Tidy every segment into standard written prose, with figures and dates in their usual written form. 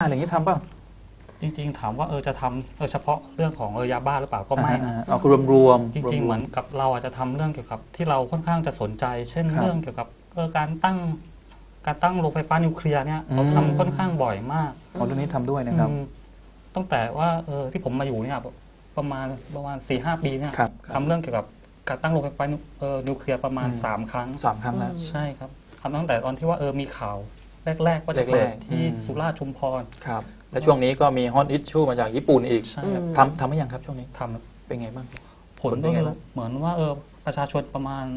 อะไรอย่างนี้ทำป่ะจริงๆถามว่าจะทำเฉพาะเรื่องของยาบ้าหรือเปล่าก็ไม่นะเอารวมจริงๆเหมือนกับเราอาจจะทำเรื่องเกี่ยวกับที่เราค่อนข้างจะสนใจ เช่นเรื่องเกี่ยวกับการตั้งโรงไฟฟ้านิวเคลียร์เนี่ยเราทำค่อนข้างบ่อยมากเรื่องนี้ทำด้วยนะครับตั้งแต่ว่าที่ผมมาอยู่เนี่ยประมาณ 4-5 ปีเนี่ยทำเรื่องเกี่ยวกับการตั้งโรงไฟฟ้านิวเคลียร์ประมาณ3 ครั้งแล้วใช่ครับทำตั้งแต่ตอนที่ว่ามีข่าวแรกๆว่าจะเปิดที่สุราษฎร์ชุมพรครับและช่วงนี้ก็มีฮอตอิชชูมาจากญี่ปุ่นอีกทำไม่ยังครับช่วงนี้ทำเป็นไงบ้างผลก็เหมือนว่าประชาชนประมาณ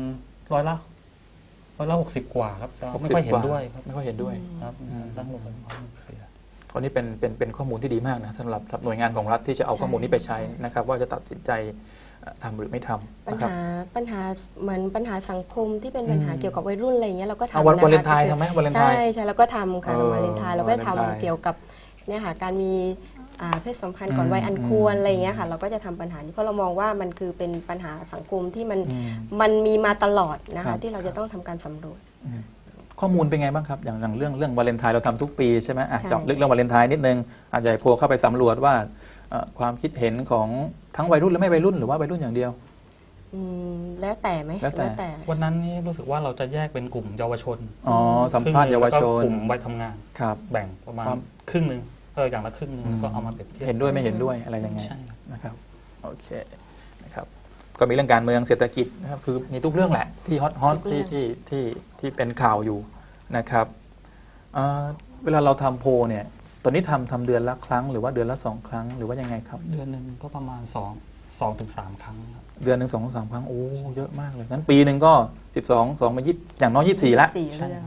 60 กว่าครับจะไม่ค่อยเห็นด้วยครับไม่ค่อยเห็นด้วยครับตั้งโรงไฟฟ้านิวเคลียร์ตอนนี้เป็นข้อมูลที่ดีมากนะสำหรับหน่วยงานของรัฐที่จะเอาข้อมูลนี้ไปใช้นะครับว่าจะตัดสินใจทำหรือไม่ทำปัญหาเหมือนปัญหาสังคมที่เป็นปัญหาเกี่ยวกับวัยรุ่นอะไรอย่างเงี้ยเราก็ทำวันวาเลนไทน์ทำไหมวาเลนไทน์ใช่เราก็ทำค่ะวันวาเลนไทน์เราก็ทำเกี่ยวกับเนี่ยค่ะการมีเพศสัมพันธ์ก่อนวัยอันควรอะไรอย่างเงี้ยค่ะเราก็จะทำปัญหานี้เพราะเรามองว่ามันคือเป็นปัญหาสังคมที่มันมีมาตลอดนะคะที่เราจะต้องทำการสำรวจข้อมูลเป็นไงบ้างครับอย่างเรื่องวาเลนไทน์เราทำทุกปีใช่ไหมเจาะลึกเรื่องวาเลนไทน์นิดนึงอาจจะโพลเข้าไปสำรวจว่าความคิดเห็นของทั้งวัยรุ่นและไม่วัยรุ่นหรือว่าวัยรุ่นอย่างเดียวแล้วแต่ไหมแล้วแต่วันนั้นนี่รู้สึกว่าเราจะแยกเป็นกลุ่มเยาวชนสัมภาษณ์เยาวชนกลุ่มวัยทำงานแบ่งประมาณครึ่งนึงอย่างละครึ่งนึงก็เอามาเปรียบเทียบเห็นด้วยไม่เห็นด้วยอะไรยังไงนะครับโอเคนะครับก็มีเรื่องการเมืองเศรษฐกิจนะครับคือมีทุกเรื่องแหละที่ฮอตที่เป็นข่าวอยู่นะครับเวลาเราทำโพลเนี่ยตอนนี้ทำเดือนละครั้งหรือว่าเดือนละ2 ครั้งหรือว่ายังไงครับเดือนหนึ่งก็ประมาณ2-3 ครั้งเดือนหนึ่ง2-3 ครั้งโอ้เยอะมากเลยงั้นปีหนึ่งก็12 2 มา20อย่างน้อย24ละ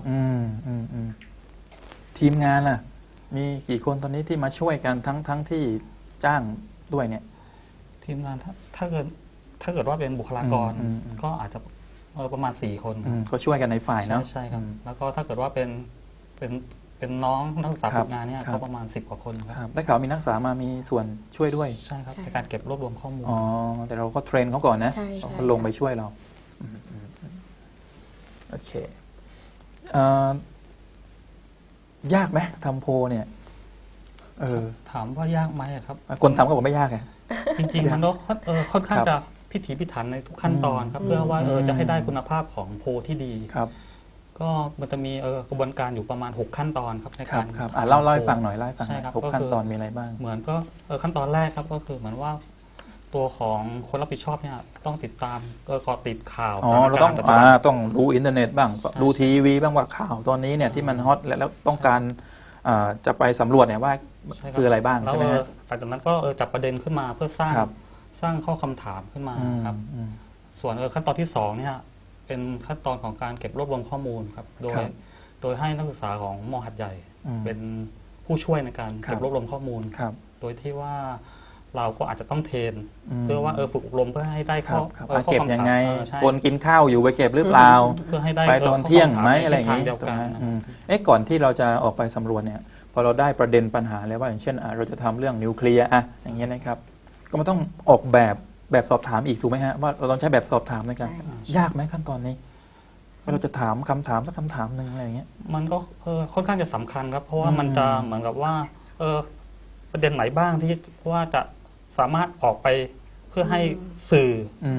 ทีมงานล่ะมีกี่คนตอนนี้ที่มาช่วยกันทั้งที่จ้างด้วยเนี่ยทีมงานถ้าเกิดว่าเป็นบุคลากรก็อาจจะประมาณ4 คนก็ช่วยกันในฝ่ายเนาะใช่ครับแล้วก็ถ้าเกิดว่าเป็นน้องนักศึกษาฝึกงานเนี่ยก็ประมาณ10 กว่าคนครับได้ข่าวมีนักศึกษามามีส่วนช่วยด้วยใช่ครับในการเก็บรวบรวมข้อมูลแต่เราก็เทรนเขาก่อนนะเขาลงไปช่วยเราโอเคยากไหมทำโพเนี่ยถามว่ายากไหมครับคนทำก็บอกไม่ยากไงจริงๆมันก็ค่อนข้างจะพิถีพิถันในทุกขั้นตอนครับเพื่อว่าจะให้ได้คุณภาพของโพที่ดีครับก็มันจะมีกระบวนการอยู่ประมาณ6 ขั้นตอนครับในการเล่าให้ฟังหน่อย6 ขั้นตอนมีอะไรบ้างเหมือนก็ขั้นตอนแรกครับก็คือเหมือนว่าตัวของคนรับผิดชอบเนี่ยต้องติดตามก็ติดข่าวเราต้องดูอินเทอร์เน็ตบ้างดูทีวีบ้างว่าข่าวตอนนี้เนี่ยที่มันฮอตแล้วต้องการจะไปสำรวจเนี่ยว่าคืออะไรบ้างใช่ไหมหลังจากนั้นก็จับประเด็นขึ้นมาเพื่อสร้างข้อคำถามขึ้นมาครับส่วนขั้นตอนที่2เนี่ยเป็นขั้นตอนของการเก็บรวบรวมข้อมูลครับโดยให้นักศึกษาของม.หัดใหญ่เป็นผู้ช่วยในการเก็บรวบรวมข้อมูลโดยที่ว่าเราก็อาจจะต้องเทรนเพื่อว่าฝึกอบรมเพื่อให้ได้ข้อเก็บยังไงคนกินข้าวอยู่ไปเก็บหรือเปล่าเพื่อให้ได้ไปตอนเที่ยงไหมอะไรอย่างนี้ก่อนที่เราจะออกไปสำรวจเนี่ยพอเราได้ประเด็นปัญหาแล้วว่าอย่างเช่นเราจะทำเรื่องนิวเคลียร์อย่างเงี้ยนะครับก็มันต้องออกแบบสอบถามอีกถูกไหมฮะว่าเราต้องใช้แบบสอบถามในการยากไหมขั้นตอนนี้เราจะถามคำถามสักคำถามหนึ่งอะไรอย่างเงี้ยมันก็ค่อนข้างจะสำคัญครับเพราะว่ามันจะเหมือนกับว่าประเด็นไหนบ้างที่ว่าจะสามารถออกไปเพื่อให้สื่อ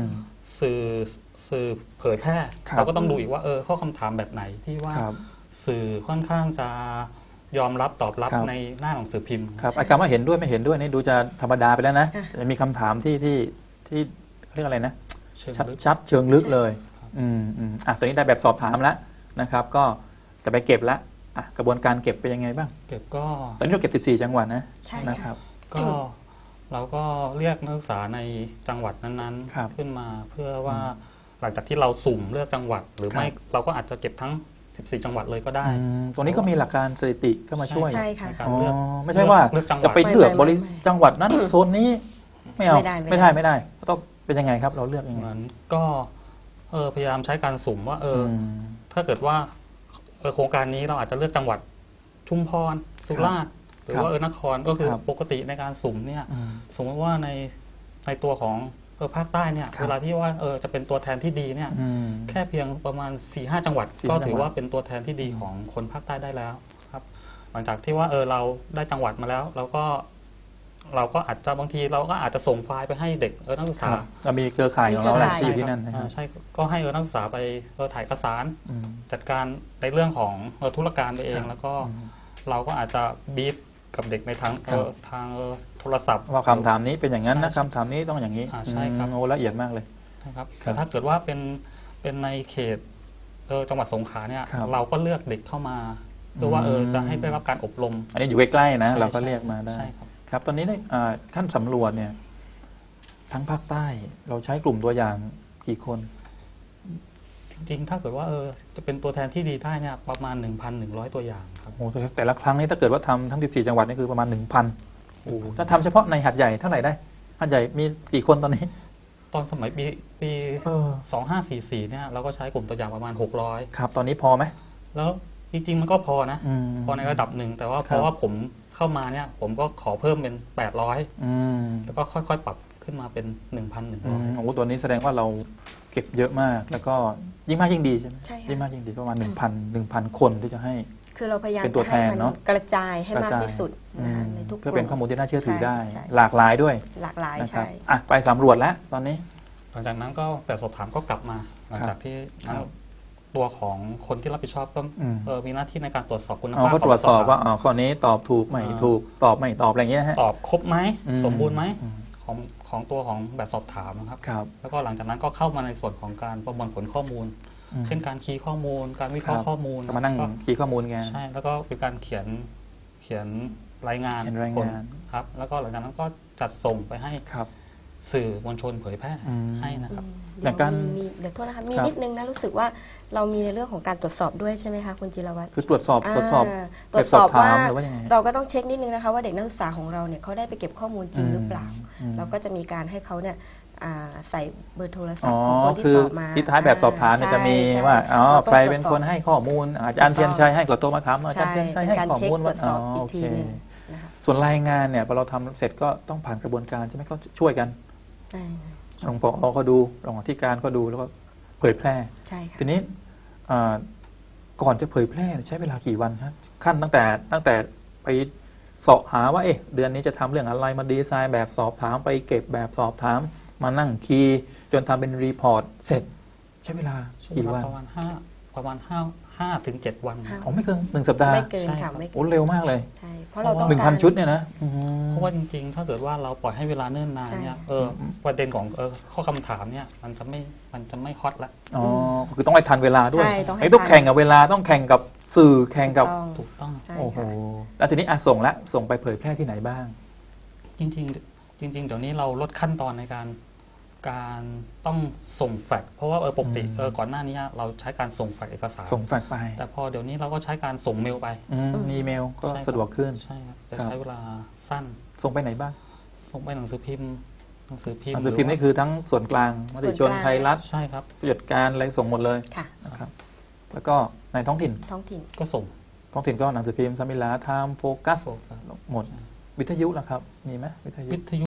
เผยแพร่เราก็ต้องดูอีกว่าข้อคำถามแบบไหนที่ว่าสื่อค่อนข้างจะยอมรับตอบรับในหน้าหนังสือพิมพ์ครับคำว่าเห็นด้วยไม่เห็นด้วยนี่ดูจะธรรมดาไปแล้วนะจะมีคำถามที่เรียกอะไรนะชัดเชิงลึกเลยตัวนี้ได้แบบสอบถามแล้วนะครับก็จะไปเก็บแล้วกระบวนการเก็บเป็นยังไงบ้างเก็บก็ตอนนี้เราเก็บ14 จังหวัดนะครับก็เราก็เรียกนักศึกษาในจังหวัดนั้นๆขึ้นมาเพื่อว่าหลังจากที่เราสุ่มเลือกจังหวัดหรือไม่เราก็อาจจะเก็บทั้ง14 จังหวัดเลยก็ได้ตรงนี้ก็มีหลักการสถิติก็มาช่วยใช่ค่ะไม่ใช่ว่าจะไปเลือกจังหวัดนั้นโซนนี้ไม่เอาไม่ได้ต้องเป็นยังไงครับเราเลือกยังไงก็พยายามใช้การสุ่มว่าถ้าเกิดว่าโครงการนี้เราอาจจะเลือกจังหวัดชุมพรสุราษฎร์หรือว่านครก็คือปกติในการสุ่มเนี่ยสมมติว่าในตัวของภาคใต้เนี่ยเวลาที่ว่าจะเป็นตัวแทนที่ดีเนี่ยแค่เพียงประมาณ 4-5 จังหวัดก็ถือว่าเป็นตัวแทนที่ดีของคนภาคใต้ได้แล้วครับหลังจากที่ว่าเราได้จังหวัดมาแล้วเราก็อาจจะบางทีเราก็อาจจะส่งไฟล์ไปให้เด็กนักศึกษาเรามีเครือข่ายของเราแหละที่อยู่ที่นั่นนะครับใช่ก็ให้นักศึกษาไปถ่ายเอกสารอืมจัดการในเรื่องของธุรการไปเองครับแล้วก็อืมเราก็อาจจะบีฟกับเด็กในทางครับทางโทรศัพท์ว่าคำถามนี้เป็นอย่างนั้นนะใช่คำถามนี้ต้องอย่างนี้ใช่ครับโอ้ละเอียดมากเลยนะครับครัแต่บถ้าเกิดว่าเป็นในเขตจังหวัดสงขลาเนี่ยครับเราก็เลือกเด็กเข้ามาเพื่อว่าจะให้ได้รับการอบรมอันนี้อยู่ใกล้ๆนะใช่เราก็ใช่เรียกมาได้ใช่ครับครับตอนนี้ได้ท่านสำรวจเนี่ยทั้งภาคใต้เราใช้กลุ่มตัวอย่างกี่คนจริงๆถ้าเกิดว่าจะเป็นตัวแทนที่ดีได้เนี่ยประมาณ 1,100 ตัวอย่างครับโอ้โหแต่ละครั้งนี้ถ้าเกิดว่าทำทั้ง 14 จังหวัดนี่คือประมาณ 1,000โอ้โหถ้าทำเฉพาะในหัดใหญ่เท่าไหร่ได้หัดใหญ่มีกี่คนตอนนี้ตอนสมัยปีเออ 2544เนี่ยเราก็ใช้กลุ่มตัวอย่างประมาณ 600 ครับ ตอนนี้พอไหมแล้วจริงๆมันก็พอนะอืมพอในระดับหนึ่งแต่ว่าครับเพราะว่าผมเข้ามาเนี่ยผมก็ขอเพิ่มเป็น 800 อืมแล้วก็ค่อยๆ ปรับขึ้นมาเป็น 1,100 โอ้โหตัวนี้แสดงว่าเราเก็บเยอะมาก แล้วก็ยิ่งมากยิ่งดีใช่ไหมใช่ค่ะยิ่งมากยิ่งดีประมาณ1,000 คนที่จะให้คือเราพยายามเป็นตัวจะแทให้นมันเนอะกระจายให้มากระจยที่สุดนะคะอืมในทุกเพื่อเป็นข้อมูลที่น่าเชื่อถือได้ใช่หลากหลายด้วยหลากหลายนะครับใช่อ่ะไปสำรวจแล้วตอนนี้หลังจากนั้นก็แบบสอบถามก็กลับมา หลังจากที่ครับตัวของคนที่รับผิดชอบก็อืมมีหน้าที่ในการตรวจสอบคุณอ๋อภาพก็ตรวจสอบขงว่าอ๋อข้อนี้ตอบถูกไม่ถูกตอบไม่ตอบอะไรอย่างเงี้ยฮะตอบครบไหมอืมสมบูรณ์ไหมอืมของตัวของแบบสอบถามนะครับครับแล้วก็หลังจากนั้นก็เข้ามาในส่วนของการประมวลผลข้อมูลอืมเช่นการคีย์ข้อมูล การวิเคราะห์ข้อมูลก็มานั่งก็คีย์ข้อมูลไงใช่ แล้วก็เป็นการเขียนรายงานเขียนรายผลงานครับ แล้วก็หลังจากนั้นก็จัดส่งไปให้ครับสื่อมวลชนเผยแพร่อืมให้นะครับเดี๋ยวอย่างการเดี๋ยวโทษนะคะมีครับนิดนึงนะรู้สึกว่าเรามีในเรื่องของการตรวจสอบด้วยใช่ไหมคะคุณจิรวัตรคือตรวจสอบาตรวจสอบตรวจสอบแบบว่าถามหรือว่ายังไงเราก็ต้องเช็คนิดนึงนะคะว่าเด็กนักศึกษาของเราเนี่ยเขาได้ไปเก็บข้อมูลจริงหรือเปล่าอืมเราก็จะมีการให้เขาเนี่ยใส่เบอร์โทรศัพอ๋อท์ของคนที่คือตอบมาที่ท้ายแบบสอบถามเนี่ยใช่จะมีใช่ว่าอ๋อเราต้องใครตวจเป็นสอบคนให้ข้อมูลอาจารย์เทียนชัยให้กดตัวมาถามอาจารย์ใช่เทียนชัยเป็ให้นการข้อเช็คมูลตรวจสอบโออีกเคทีหนึงนะคะส่วนรายงานเนี่ยพอเราทำเสร็จก็ต้องผ่านกระบวนการใช่ไหมเขาช่วยกันใช่รองผอก็ดูรองอธิการก็ดูแล้วก็เผยแพร่ใช่ค่ะทีนี้ก่อนจะเผยแพร่ใช้เวลากี่วันครับขั้นตั้งแต่ไปเสาะหาว่าเดือนนี้จะทำเรื่องอะไรมาดีไซน์แบบสอบถามไปเก็บแบบสอบถามมานั่งคีย์จนทำเป็นรีพอร์ตเสร็จ ใช้เวลาช่วงกี่เววัลาน ประมาณห้าถึงเจ็ดวันห้าอ๋อไม่เกิน1 สัปดาห์ไม่เกินใช่ครัค่ะบไม่เกิโอ้นเร็วมากเลยใช่เพราะเราต้อง 1,000 ชุดเนี่ยนะอืมเพราะว่าจริงๆ ถ้าเกิดว่าเราปล่อยให้เวลาเนิ่นนานเนี่ยใช่ประเด็นของข้อคำถามเนี่ยมันจะไม่ฮอตละอ๋อคือต้องให้ทันเวลาด้วยใช่ต้องให้ต้องทันแข่งกับเวลาต้องแข่งกับสื่อแข่งกับถูกต้องถูกต้องใช่โอ้โหค่ะแล้วทีนี้ส่งไปเผยแพร่ที่ไหนบ้างจริงเดี๋ยวนี้เราลดขั้นตอนในการต้องส่งแฟกซ์เพราะว่าปกติ ก่อนหน้านี้เราใช้การส่งแฟกซ์เอกสารส่งแฟกซ์ไปแต่พอเดี๋ยวนี้เราก็ใช้การส่งเมลไปอีเมลก็ใช่ครับสะดวกขึ้นใช่ครับจะครับใช้เวลาสั้นส่งไปไหนบ้างส่งไปหนังสือพิมพ์หนังสือพิมพ์นี่คือทั้งส่วนกลางมติชนส่วนกลางไทยรัฐใช่ครับผู้จัดการอะไรส่งหมดเลยค่ะนะครับ แล้วก็ในท้องถิ่นท้องถิ่นก็ส่งท้องถิ่นก็หนังสือพิมพ์สมิลาไทม์โฟกัสหมด วิทยุล่ะครับ มีไหมวิทยุวิทยุ